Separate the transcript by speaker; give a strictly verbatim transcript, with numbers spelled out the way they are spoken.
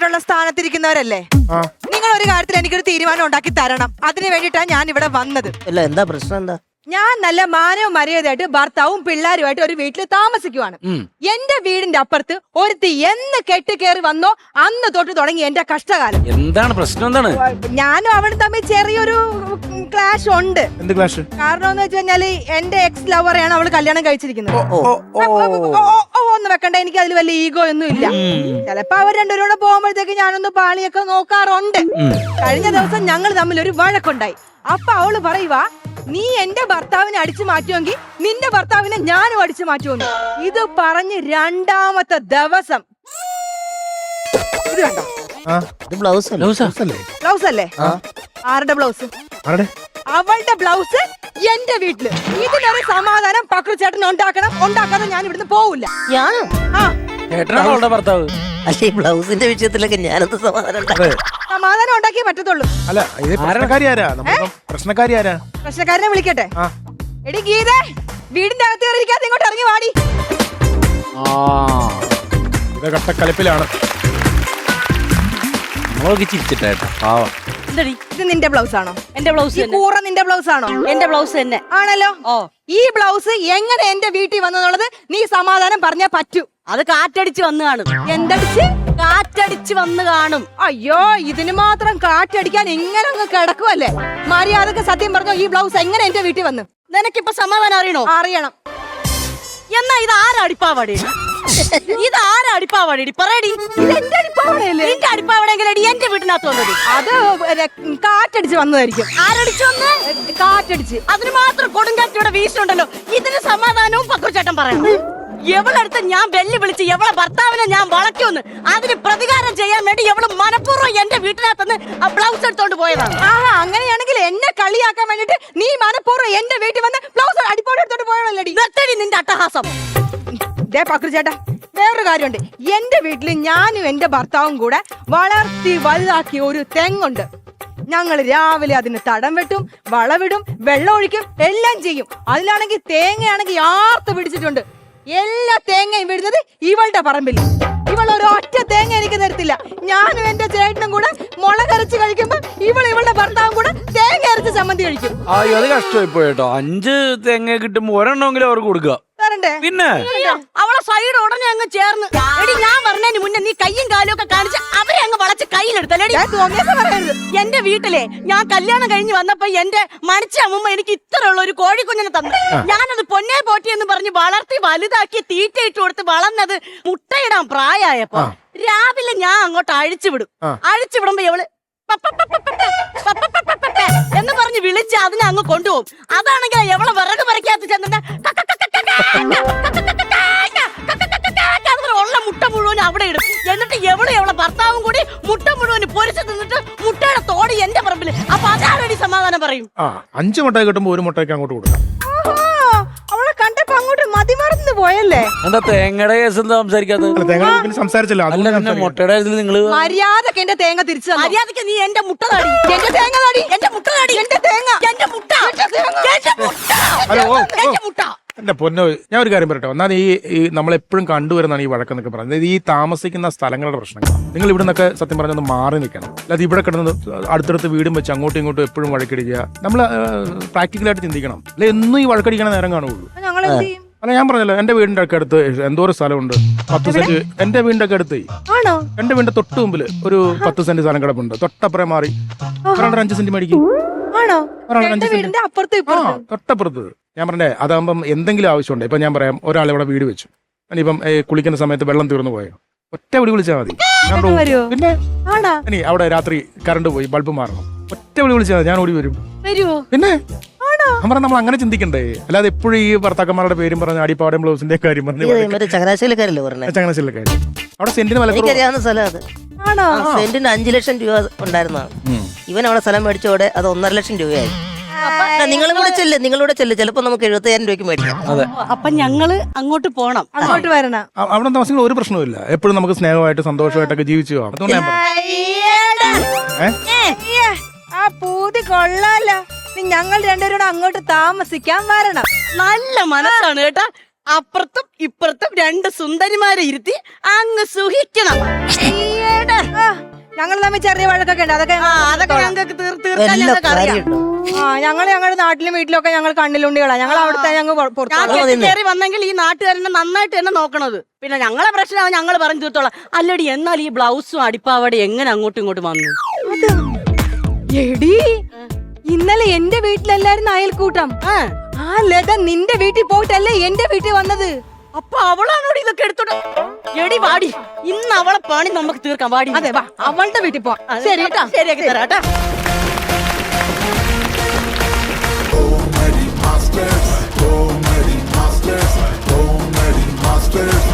Speaker 1: ഉത്തരവാദിത്തപ്പെട്ട സ്ഥാനത്തിരിക്കുന്നവരല്ലേ? നിങ്ങൾ ഒരു കാര്യത്തിൽ എനിക്കൊരു തീരുമാനം ഉണ്ടാക്കി തരണം. അതിന് വേണ്ടിയിട്ടാണ് ഞാൻ ഇവിടെ വന്നത്.
Speaker 2: അല്ല, എന്താ പ്രശ്നം? എന്താ?
Speaker 1: ഞാൻ നല്ല മാനവും മര്യാദയായിട്ട് ഭർത്താവും പിള്ളേരുമായിട്ട് ഒരു വീട്ടിൽ താമസിക്കുവാണ്. എന്റെ വീടിന്റെ അപ്പുറത്ത് ഒരുത്തി എന്ന് കെട്ടി കയറി വന്നോ അന്ന് തൊട്ട് തുടങ്ങി എന്റെ കഷ്ടകാലം.
Speaker 3: എന്താണ് പ്രശ്നം? എന്താണ്?
Speaker 1: ഞാനും അവളും തമ്മിൽ ചെറിയൊരു ക്ലാഷ് ഉണ്ട്.
Speaker 4: എന്ത് ക്ലാഷ്?
Speaker 1: കാരണം എന്ന് വെച്ച് കഴിഞ്ഞാല് എന്റെ എക്സ് ലവറെയാണ് അവള് കല്യാണം കഴിച്ചിരിക്കുന്നത്. ഒന്ന് വെക്കണ്ട, എനിക്ക് അതിൽ വലിയ ഈഗോ ഒന്നും ഇല്ല. ചിലപ്പോ അവർ രണ്ടുപേരും കൂടെ പോകുമ്പോഴത്തേക്ക് ഞാനൊന്ന് പാളിയൊക്കെ നോക്കാറുണ്ട്. കഴിഞ്ഞ ദിവസം ഞങ്ങൾ തമ്മിൽ ഒരു വഴക്കുണ്ടായി. അപ്പൊ അവള് പറയുവാ, നീ എന്റെ ഭർത്താവിനെ അടിച്ചു മാറ്റുമെങ്കിൽ നിന്റെ ഭർത്താവിനെ ഞാനും അടിച്ചു മാറ്റുമെന്ന്. ഇത് പറഞ്ഞ് രണ്ടാമത്തെ ദിവസം ഇത് കണ്ടോ?
Speaker 2: ബ്ലൗസ്
Speaker 1: ബ്ലൗസ് അല്ലേ? ആരുടെ ബ്ലൗസ്? അവളുടെ ബ്ലൗസ് എന്റെ വീട്ടില്. ഇതിനൊരു സമാധാനം പക്രു ചേട്ടൻ ഉണ്ടാക്കണം. ഉണ്ടാക്കാതെ ഞാൻ ഇവിടുന്ന് പോവില്ല.
Speaker 2: ഞാനോ?
Speaker 1: ആ
Speaker 3: ചേട്ടനാണോ അവളുടെ ഭർത്താവ്?
Speaker 2: അല്ല, ഈ ബ്ലൗസിന്റെ വിഷയത്തിലൊക്കെ ഞാനത് സമാധാനം
Speaker 1: സമാധാനം ഉണ്ടാക്കിയേ പറ്റത്തുള്ളൂ.
Speaker 4: അല്ല, ഇത് പ്രശ്നക്കാരി ആരാ? പ്രശ്നക്കാരി ആരാ?
Speaker 1: പ്രശ്നക്കാരനെ വിളിക്കട്ടെ. എടി ഗീതേ, വീടിന്റെ അകത്ത് കയറിയിരിക്കാതെ ഇങ്ങോട്ട് ഇറങ്ങി വാടി.
Speaker 4: കട്ടക്കലപ്പിലാണ്.
Speaker 1: ഇത് നിന്റെ ബ്ലൗസ് ആണോ?
Speaker 5: എന്റെ ബ്ലൗസ്
Speaker 1: കൂറ നിന്റെ ബ്ലൗസ് ആണോ?
Speaker 5: എന്റെ ബ്ലൗസ് തന്നെ
Speaker 1: ആണല്ലോ.
Speaker 5: ഓ,
Speaker 1: ഈ ബ്ലൗസ് എങ്ങനെ എന്റെ വീട്ടിൽ വന്നെന്നുള്ളത് നീ സമാധാനം പറഞ്ഞാ പറ്റൂ.
Speaker 5: അത് കാറ്റടിച്ച് വന്ന് കാണും.
Speaker 1: എന്തടിച്ച്?
Speaker 5: കാറ്റടിച്ച് വന്ന് കാണും.
Speaker 1: അയ്യോ, ഇതിന് മാത്രം കാറ്റടിക്കാൻ ഇങ്ങനെ അങ്ങ് കിടക്കുവല്ലേ? മര്യാദക്ക് സത്യം പറഞ്ഞോ, ഈ ബ്ലൗസ് എങ്ങനെ എന്റെ വീട്ടിൽ വന്നു?
Speaker 5: നിനക്കിപ്പൊ സമാധാനം അറിയണോ?
Speaker 1: അറിയണം.
Speaker 5: എന്നാ ഇത് ആരടിപ്പാവാടി? ഇത് ആരടിപ്പാവാടി? പറയടി.
Speaker 1: എന്റെ അടിപ്പാവടയല്ലേ?
Speaker 5: നിന്റെ അടിപ്പാവടെങ്കിലടി എന്റെ വീട്ടിനകത്ത് വന്നത്.
Speaker 1: അത് കാറ്റടിച്ച് വന്നതായിരിക്കും.
Speaker 5: ആരടിച്ചു വന്ന്?
Speaker 1: കാറ്റടിച്ച്.
Speaker 5: അതിന് മാത്രം കൊടുങ്കാറ്റിയുടെ വീശുണ്ടല്ലോ. ഇതിന് സമാധാനവും പക്രുചേട്ടൻ പറയണം. എവളടുത്ത് ഞാൻ വെല്ലു വിളിച്ച് എവളെ ഭർത്താവിനെ ഞാൻ വളയ്ക്കുമെന്ന് അതിന് പ്രതികാരം ചെയ്യാൻ വേണ്ടി എവള് മനഃപൂർവ്വം എന്റെ വീട്ടിനകത്തുനിന്ന് ആ ബ്ലൗസ് എടുത്തോണ്ട് പോയതാണ്.
Speaker 1: ആഹാ, അങ്ങനെയാണെങ്കിൽ എന്നെ കളിയാക്കാൻ വേണ്ടിട്ട് നീ മനഃപൂർവ്വം എന്റെ വീട്ടിൽ വന്ന് ബ്ലൗസ് അടിപ്പോടെ എടുത്തോണ്ട് പോയവളടി.
Speaker 5: നിർത്തടി നിന്റെ അട്ടഹാസം.
Speaker 1: ദേ പക്രു ചേട്ടാ, വേറൊരു കാര്യമുണ്ട്. എന്റെ വീട്ടിൽ ഞാനും എന്റെ ഭർത്താവും കൂടെ വളർത്തി വലുതാക്കിയ ഒരു തെങ്ങുണ്ട്. ഞങ്ങൾ രാവിലെ അതിന് തടം വെട്ടും, വളവിടും, വെള്ളം ഒഴിക്കും, എല്ലാം ചെയ്യും. അതിലാണെങ്കിൽ തേങ്ങയാണെങ്കിൽ ആർത്ത് പിടിച്ചിട്ടുണ്ട്. എല്ലാ തേങ്ങയും വിടുന്നത് ഇവളുടെ പറമ്പിൽ. ഇവൾ ഒരു ഒറ്റ തേങ്ങ എനിക്ക് തരത്തില്ല. ഞാനും എന്റെ ചേട്ടനും കൂടെ മുളകരച്ച് കഴിക്കുമ്പോ ഇവൾ ഇവളുടെ ഭർത്താവും കൂടെ തേങ്ങ അരച്ച് ചമ്മന്തി കഴിക്കും.
Speaker 3: അയ്യോ, അത് കഷ്ടമായി പോയിട്ടോ. അഞ്ച് തേങ്ങ കിട്ടുമ്പോ ഒരെണ്ണമെങ്കിലും അവർക്ക് കൊടുക്കുക. പിന്നെ
Speaker 5: അവളെ സൈഡ് ഉടനെ അങ്ങ് ചേർന്ന് എടി, ഞാൻ പറഞ്ഞതിന് മുന്നേ നീ കയ്യും കാലും ഒക്കെ കാണിച്ച് അവരെ അങ്ങ് വളച്ച് കയ്യിലെടുത്തല്ലേടി. എന്റെ വീട്ടിലെ ഞാൻ കല്യാണം കഴിഞ്ഞ് വന്നപ്പോ എന്റെ മണിച്ച അമ്മ എനിക്ക് ഇത്രയുള്ള ഒരു കോഴിക്കുഞ്ഞിനെ തന്നു. ഞാനത് പൊന്നെ പോറ്റി എന്ന് പറഞ്ഞ് വളർത്തി വലുതാക്കി തീറ്റയിട്ട് കൊടുത്ത് വളർന്നത് മുട്ടയിടാൻ പ്രായമായപ്പോ രാവിലെ ഞാൻ അങ്ങോട്ട് അഴിച്ചുവിടും. അഴിച്ചുവിടുമ്പോ ഇവള് എന്ന് പറഞ്ഞ് വിളിച്ച് അതിനെ അങ്ങ് കൊണ്ടുപോകും. അതാണെങ്കിൽ എവളെ വിറക് പറിക്കാത്ത ചെന്നിട്ട് ഉള്ള മുട്ട മുഴുവൻ അവിടെ ഇടും. എന്നിട്ട് എവളും എവളെ ഭർത്താവും കൂടി മുട്ട മുഴുവൻ പൊരിച്ചു തിന്നിട്ട് മുട്ടയുടെ തോടി എന്റെ പറമ്പിൽ. അപ്പൊ അതാരടി സമാധാനം പറയും?
Speaker 4: അഞ്ചു മുട്ട കിട്ടുമ്പോ ഒരു മുട്ടയ്ക്ക് അങ്ങോട്ട് കൊടുക്കാം.
Speaker 1: അവളെ കണ്ടപ്പോ അങ്ങോട്ട് മതിമറന്നു പോയല്ലേ?
Speaker 3: എന്താ തേങ്ങയുടെ കേസ് എന്താ സംസാരിക്കാത്തത്?
Speaker 4: തേങ്ങ സംസാരിച്ചല്ലോ.
Speaker 3: മുട്ടയുടെ നിങ്ങള്
Speaker 1: മര്യാദക്ക് എന്റെ തേങ്ങ തിരിച്ചു.
Speaker 5: മര്യാദക്ക് നീ എന്റെ മുട്ട താടി.
Speaker 1: എന്റെ തേങ്ങ താടി.
Speaker 5: എന്റെ മുട്ട താടി. എന്റെ തേങ്ങ. എന്റെ മുട്ട. എന്റെ മുട്ട.
Speaker 4: എന്റെ പൊന്നോ, ഞാൻ ഒരു കാര്യം പറയട്ടെ. ഒന്നാമത് ഈ നമ്മളെപ്പോഴും കണ്ടുവരുന്നതാണ് ഈ വഴക്കെന്നൊക്കെ പറയുന്നത് ഈ താമസിക്കുന്ന സ്ഥലങ്ങളുടെ പ്രശ്നങ്ങൾ. നിങ്ങൾ ഇവിടെ നിന്നൊക്കെ സത്യം പറഞ്ഞൊന്ന് മാറി നിൽക്കണം. അല്ലാതെ ഇവിടെ കിടന്ന് അടുത്തടുത്ത് വീടും വെച്ച് അങ്ങോട്ടും ഇങ്ങോട്ടും എപ്പോഴും വഴക്കടിക്കുക. നമ്മൾ പ്രാക്ടിക്കലായിട്ട് ചിന്തിക്കണം. അല്ലെ എന്നും ഈ വഴക്കടിക്കണ നേരം കാണുള്ളൂ. അല്ല, ഞാൻ പറഞ്ഞല്ലോ, എന്റെ വീടിന്റെ ഒക്കെ അടുത്ത് എന്തോരം സ്ഥലമുണ്ട്. പത്ത് സെന്റ് എന്റെ വീടിന്റെ ഒക്കെ അടുത്ത്. എന്റെ വീടിന്റെ തൊട്ട് മുമ്പിൽ ഒരു പത്ത് സെന്റ് സ്ഥലം കിടപ്പുണ്ട്. തൊട്ടപ്പുറം മാറി ഒരാണ്ട് അഞ്ച് സെന്റ് മേടിക്കും. തൊട്ടപ്പുറത്ത്. ഞാൻ പറഞ്ഞേ, അതാകുമ്പം എന്തെങ്കിലും ആവശ്യമുണ്ട്. ഇപ്പൊ ഞാൻ പറയാം, ഒരാൾ ഇവിടെ വീട് വെച്ചു. ഇനിയിപ്പം കുളിക്കുന്ന സമയത്ത് വെള്ളം തീർന്നു പോയോ, ഒറ്റ വിളി വിളിച്ചാൽ മതി. പിന്നെ ഇനി അവിടെ രാത്രി കറണ്ട് പോയി, ബൾബ് മാറണം, ഒറ്റ വിളി വിളിച്ചാൽ മതി, ഞാൻ ഓടി വരും. പിന്നെ ഞാൻ പറഞ്ഞ നമ്മൾ അങ്ങനെ ചിന്തിക്കണ്ടേ. അല്ലാതെ എപ്പോഴും ഈ ഭർത്താക്കന്മാരുടെ പേരും പറഞ്ഞ അടിപ്പാടം ബ്ലൗസിന്റെ കാര്യം പറഞ്ഞു. ചങ്ങനാശ്ശേരിക്കാരി അവിടെ സെന്റിന് വില
Speaker 2: സെന്റിന് അഞ്ചു ലക്ഷം രൂപ ഉണ്ടായിരുന്നതാണ്. ഇവൻ അവിടെ സ്ഥലം മേടിച്ചോടെ അത് ഒന്നര ലക്ഷം രൂപയായി. നിങ്ങളും കൂടെ ചെല്ല്, നിങ്ങളൂടെ ചെല്ല്, ചിലപ്പോ നമുക്ക് എഴുപത്തയ്യായിരം രൂപയ്ക്ക് മേടിക്കാം.
Speaker 5: അപ്പൊ ഞങ്ങള് അങ്ങോട്ട് പോണം,
Speaker 1: അങ്ങോട്ട് വരണം.
Speaker 4: അവിടെ താമസിക്കുന്ന ഒരു പ്രശ്നമില്ല. എപ്പോഴും നമുക്ക് സ്നേഹമായിട്ട് സന്തോഷമായിട്ടൊക്കെ ജീവിച്ചു പോകാം. അതുകൊണ്ട് ഞാൻ
Speaker 1: ആ പൂതി കൊള്ളാലോ. ഞങ്ങൾ രണ്ടുപേരും അങ്ങോട്ട് താമസിക്കാൻ വരണം.
Speaker 5: നല്ല മനസ്സാണ് കേട്ടാ. അപ്പുറത്തും ഇപ്പുറത്തും രണ്ട് സുന്ദരിമാരെ ഇരുത്തി അങ്ങ് സുഖിക്കണം. ഈയെടെ.
Speaker 1: ഞങ്ങൾ തമ്മിൽ ചെറിയ വഴക്കൊക്കെ ഉണ്ട് അതൊക്കെ
Speaker 5: ആ, അതൊക്കെ ഞങ്ങൾക്ക് തീർ- തീർക്കാൻ
Speaker 2: വല്ല
Speaker 5: ഞങ്ങൾക്ക് അറിയാം.
Speaker 2: കാര്യമുണ്ടോ?
Speaker 1: ആ ഞങ്ങൾ ഞങ്ങളുടെ നാട്ടിലും വീട്ടിലൊക്കെ ഞങ്ങൾ കണ്ണിലുണ്ടികളാ ഞങ്ങൾ അവിടുത്തെ ഞങ്ങൾ പുറത്തു
Speaker 5: ഞാൻ
Speaker 2: അത് മതി.
Speaker 5: കയറി വന്നെങ്കിൽ ഈ നാട്ടുകാരനെ നന്നായിട്ട് തന്നെ നോക്കണത്. പിന്നെ ഞങ്ങളെ പ്രശ്നം ഞങ്ങൾ പറഞ്ഞു തീർത്തോളാം. അല്ലടി, എന്നാൽ ഈ ബ്ലൗസും അടിപ്പാവടയും എങ്ങനെ അങ്ങോട്ടും ഇങ്ങോട്ടും വന്നു?
Speaker 1: എടി ഇന്നലെ എന്റെ വീട്ടിലല്ലായിരുന്നു അയൽക്കൂട്ടം.
Speaker 5: ആ,
Speaker 1: ആ ലത നിന്റെ വീട്ടിൽ പോയിട്ടല്ലേ എന്റെ വീട്ടിൽ വന്നത്.
Speaker 5: അപ്പൊ അവളാണോടി ഇതൊക്കെ എടുത്തോട്ട്? എടി വാടി, ഇന്ന് അവളെ പണി നമുക്ക് തീർക്കാം. വാടി.
Speaker 1: അതെ വാ അവളുടെ വീട്ടിൽ പോ.
Speaker 5: അതെ,
Speaker 1: ശരി കേട്ടോ.
Speaker 5: ശരിയാക്കി തരാം കേട്ടോ.
Speaker 6: Comedy Masters, Comedy Masters, Comedy Masters.